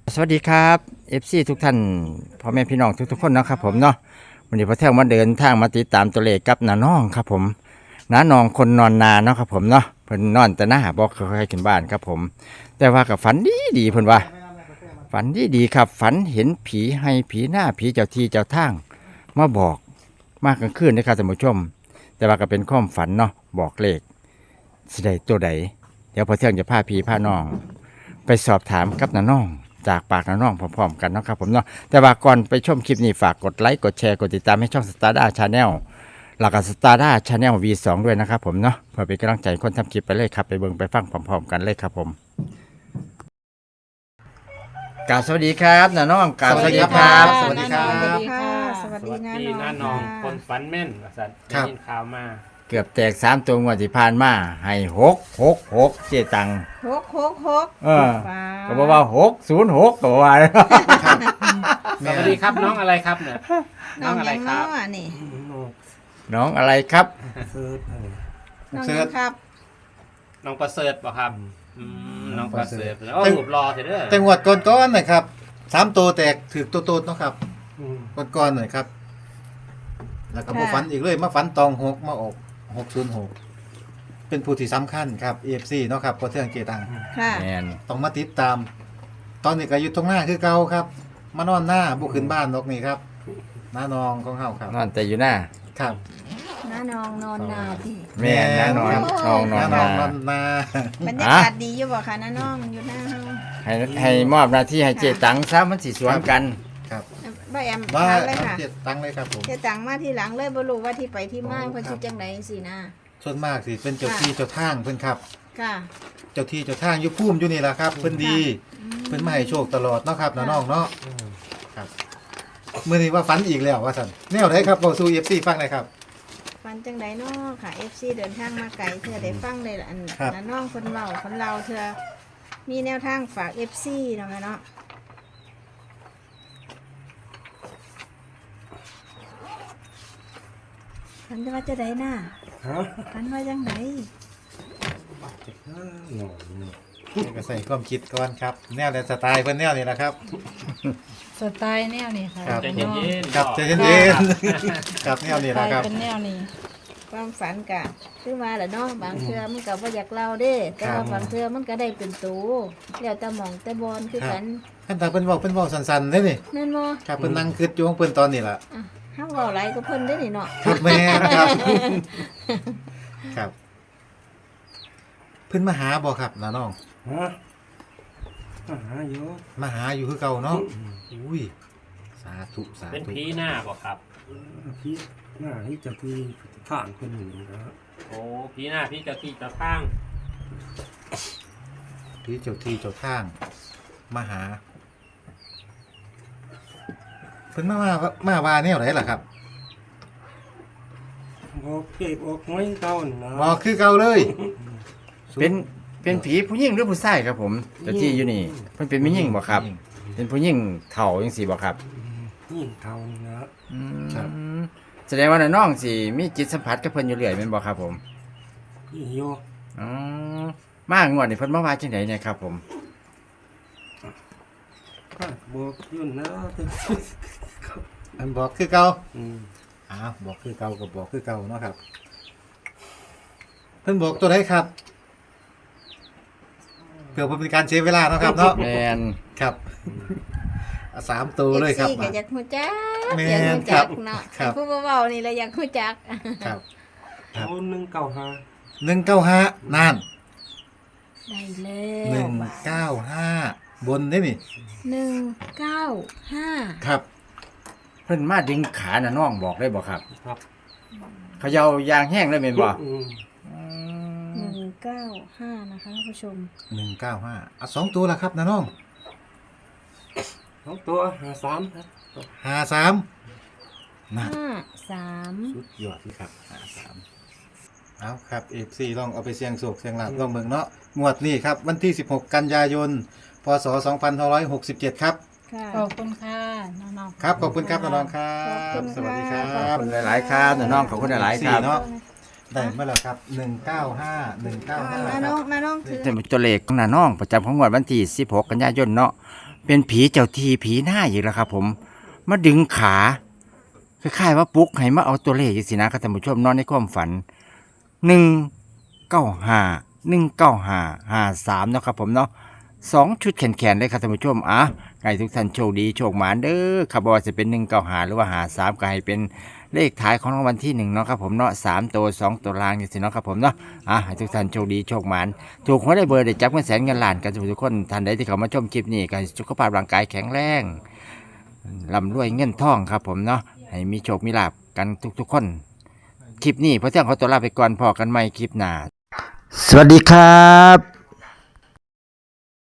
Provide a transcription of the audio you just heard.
สวัสดีครับ FC ทุกท่านพ่อแม่พี่น้องทุกๆคนนะครับผมเนาะวันนี้พอเที่ยงมาเดินทางมาติดตามตัวเลขกับน้าน้องครับผมน้าน้องคนนอนนาเนาะครับผมเนาะเพิ่นนอนแต่หน้าบอกเคยขึ้นบ้านครับผม แต่ว่ากับฝันดีเพิ่นว่าฝันดีครับฝันเห็นผีให้ผีหน้าผีเจ้าที่เจ้าทางมาบอกมากกลางคืนนะครับท่านผู้ชม แต่ว่าก็เป็นความฝันเนาะบอกเลขสิได้ตัวใดเดี๋ยวพอเที่ยงจะพาพี่พาน้อง ไปสอบถามกับน้าน้องจากปากน้าน้องพร้อมๆกันเนาะครับผมเนาะแต่ว่าก่อนไปชมคลิปนี้ฝากกดไลค์กดแชร์กดติดตามให้ช่อง Stardust Channel แล้วก็ Stardust Channel V2 ด้วยนะครับผมเนาะเพื่อเป็นกำลังใจคนทำคลิปไปเลยครับไปเบิ่งไปฟังพร้อมๆกันเลยครับผมกราบสวัสดีครับน้าน้องกราบสวัสดีครับสวัสดีครับสวัสดีค่ะสวัสสดีวัสนะดีน้น้าองน้องค่ะคนฝันแม่นสัตว์ครับได้ยินข่าวมาเกือบแตก3ตัวงวดที่ผ่านมาให้666เจตังหกหกหก ฟ้าก็บอกว่า606ก็บอกว่าสวัสดีครับน้องอะไรครับเนี่ยน้องอะไรยังคน้รัอบ งนี่น้องอะไรครับน้องยังครับน้องประเสริฐป่ะครับน้องประเสริฐโอ้หูบรอเถอะเด้อแต่งวดก่อนๆหน่อยครับ3ตัวแตกถือตัวโตเนาะครับก่อนๆหน่อยครับ แล้วก็มาฝันอีกเลยมาฝันตอง6มาออก606เป็นผู้ที่สำคัญครับ AFC เนาะครับพอเที่ยงเจตังค่ะแมนต้องมาติดตาม ตอนนี้ก็อยู่ตรงหน้าคือเก่าครับ มานอนหน้าบุกขึ้นบ้านนกนี่ครับน้านองของเฮาครับนอนแต่อยู่หน้าครับน้าน้องนอนนาที่แม่น้านอนน้องนอนน้านานองนอนนาบรรยากาศดีอยู่บ่คะน้าน้องอยู่หน้าเฮาให้มอบหน้าที่ให้เจตังซะมันสิสวนกันครับบ่แอมมาถามเลยค่ะเจ็ดตังเลยครับผมเจะตังมาทีหลังเลยบ่รู้ว่าที่ไปที่มาเพิ่นสิจังไดสินะส่วนมากสิเป็นเจ้าที่เจ้าทางเพิ่นครับค่ะเจ้าที่เจ้าทางอยู่ภูมิอยู่นี่แหละครับเพิ่นดีเพิ่นมาให้โชคตลอดเนาะครับน้องๆเนาะครับมื้อนี้ว่าฝันอีกแล้วว่าซั่นแนวไหนครับเว้าสู่ FC ฟังหน่อยครับฟันจังไดเนาะค่ะ FC เดินทางมาไกลเทื่อได้ฟังเลยล่ะอันครับน้าน้องคนเว้าคนเราเทื่อมีแนวทางฝาก FC เนาะแม่เนาะฟันจะว่าจะได้น่ะฟันว่าจังไดนี่ก็ใส่ความคิดก่อนครับ แนวและสไตล์เพิ่นแนวนี่แหละครับสไตล์แนวนี้ค่ะครับใจเย็นๆครับใจเย็นๆครับแนวนี่สแหละไตล์ครับเป็นแนวนี้ความฝันกะคือว่าแหละเนาะบางเทื่อมันก็บ่อยากเล่าเด้แต่ว่าบางเทื่อมันก็ได้เป็นตูแล้วแต่หมองแต่บอลคือกันขั้นตอนเพิ่นเว้าสั้นๆเด้นี่นั่นบ่ครับเพิ่นนั่งคิดอยู่ของเพิ่นตอนนี้ล่ะอ่ะเฮาเว้าหลายก็เพิ่นได้นี่เนาะครับแม่นครับครับเพิ่นมาหาบ่ครับน้าน้องฮะมาหาอยู่มาหาอยู่คือเก่าเนาะอุ้ยสาธุสาเป็นธุผีหน้าป่ะครับพี่หน้าที่จะที่ข้างคนหนึ่งนะโอ้ผีหน้าพี่เจ้าที่เจ้าทางที่เจ้าที่เจ้าทางมาหาเพิ่นมาว่าแนวไหนล่ะครับบอกเก็บออกไม้เก่านี่นะบอกคือเก่าเลยเป็นผีผู้หญิงหรือผู้ชายครับผมเจ้าที่อยู่นี่เพิ่นเป็นผู้หญิงบ่ครับ เป็นผู้หญิงเฒ่าจังซี่บ่ครับยิ่งเท่านี่นะแสดงว่าน้องสิมีจิตสัมผัสกับเพิ่นอยู่เรื่อยแม่นบ่ครับผมยิ่งโยอ๋อมางวดนี่เพิ่นมาว่าจังไดเนี่ยครับผมก็บอกอยุ่นนะอันบอกคือเก่าอืมอ้าวบอกคือเก่าก็บอกคือเก่าเนาะครับ เพิ่นบอกตัวไหนครับเพื่อเป็นการเสียเวลาเนาะครับเนาะแม่นครับเอาสามตัวเลยครับ FC ก็อยากฮู้จักแม่อยากนฮู้จักเนาะครับผู้เว้านี่แหละอยากฮู้จักครับ ครับเอา195 195นั่นได้แล้ว 195บนได้นี่ 195 ครับเพิ่นมาดึงขาน่ะน้องบอกได้บ่ครับครับเขย่ายางแห้งเลยแม่นบ่ 195นะคะท่านผู้ชม 195เอา2ตัวละครับนะน้องเอาตัว53ครับ 53นั่น 53 สุดยอดที่ครับ53เอาครับ FC ลองเอาไปเสี่ยงโชคเสี่ยงลาภลองเบิ่งเนาะงวดนี้ครับวันที่16กันยายนพศ2567ครับค่ะขอบคุณค่ะน้องๆครับขอบคุณครับน้องๆครัขอบบคุณสวัสดีครัค่ะขอบบ คุณหลายๆครับน้องขอบคุณหลายๆครับเนาะได้เมื่อไหร่ครับ195 195 น้าคน้รัอบ งน้าน้องถือเป็นตัวเลขของน้าน้องประจำของงวดวันที่16กันยายนเนาะเป็นผีเจ้าที่ผีหน้าอีกแล้วครับผมมาดึงขาคล้ายๆว่าปลุกให้มาเอาตัวเลขจังซี่นะครับท่านผู้ชมนอนในความฝัน195 195 53เนาะครับผมเนาะ2ชุดแขนๆเลยครับท่านผู้ชมให้ทุกท่านโชคดีโชคหมานเด้อครับบ่ว่าจะเป็น195หรือว่า53ก็ให้เป็นเลขท้ายของรางวัลที่1เนาะครับผมเนาะ3ตัว2ตัวล่างจังซี่เนาะครับผมเนาะให้ทุกท่านโชคดีโชคหมานถูกหวยได้เบอร์ได้จับเงินแสนเงินล้านกันทุกคนท่านใดที่เข้ามาชมคลิปนี้ก็ให้สุขภาพร่างกายแข็งแรงร่ำรวยเงินทองครับผมเนาะให้มีโชคมีลาภกันทุกๆคนคลิปนี้พอเที่ยงขอตัวลาไปก่อนพอกันใหม่คลิปหน้าสวัสดีครับ